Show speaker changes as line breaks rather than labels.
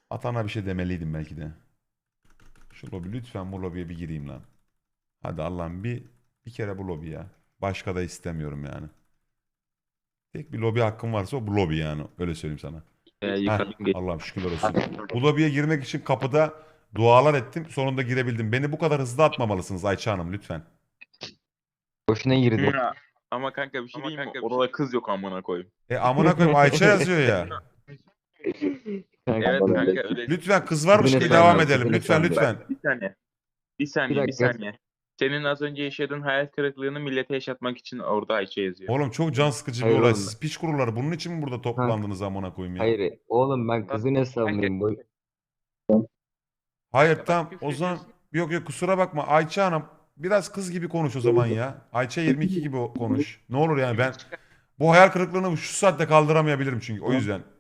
Atana bir şey demeliydim belki de. Şu lobi lütfen, bu lobiye bir gireyim lan. Hadi Allah'ım, bir kere bu lobi ya. Başka da istemiyorum yani. Tek bir lobi hakkım varsa o bu lobi yani. Öyle söyleyeyim sana. Heh,
Yıkadım geç.
Allah'ım şükürler olsun. Bu lobiye girmek için kapıda dualar ettim. Sonunda girebildim. Beni bu kadar hızlı atmamalısınız Ayça Hanım, lütfen.
Boşuna girdi.
Ya, ama kanka bir şey diyeyim mi? Orada kız yok amına koyayım.
Amına koyayım, Ayça yazıyor ya.
Kanka,
Evet kanka öyle.
Lütfen kız
Kızın
varmış ki
hesabı
devam
var,
edelim.
kızın
Lütfen
hesabı var.
lütfen.
Bir saniye. Bir
Bir
saniye, bir
dakika.
saniye. Senin az önce yaşadığın hayal kırıklığını millete yaşatmak için orada Ayça yazıyor.
Oğlum çok can sıkıcı bir
Hayır
olay.
oğlum.
Siz piç kuruları bunun için mi burada
Kanka,
toplandınız amına koyayım ya?
hayır. Oğlum ben kızın hesabındayım.
Hayır
Ya bak
tamam, o zaman yok yok, kusura bakma Ayça Hanım, biraz kız gibi konuş o zaman ya. Ayça 22 gibi konuş. Ne olur yani, ben bu hayal kırıklığını şu saatte kaldıramayabilirim çünkü, o yüzden.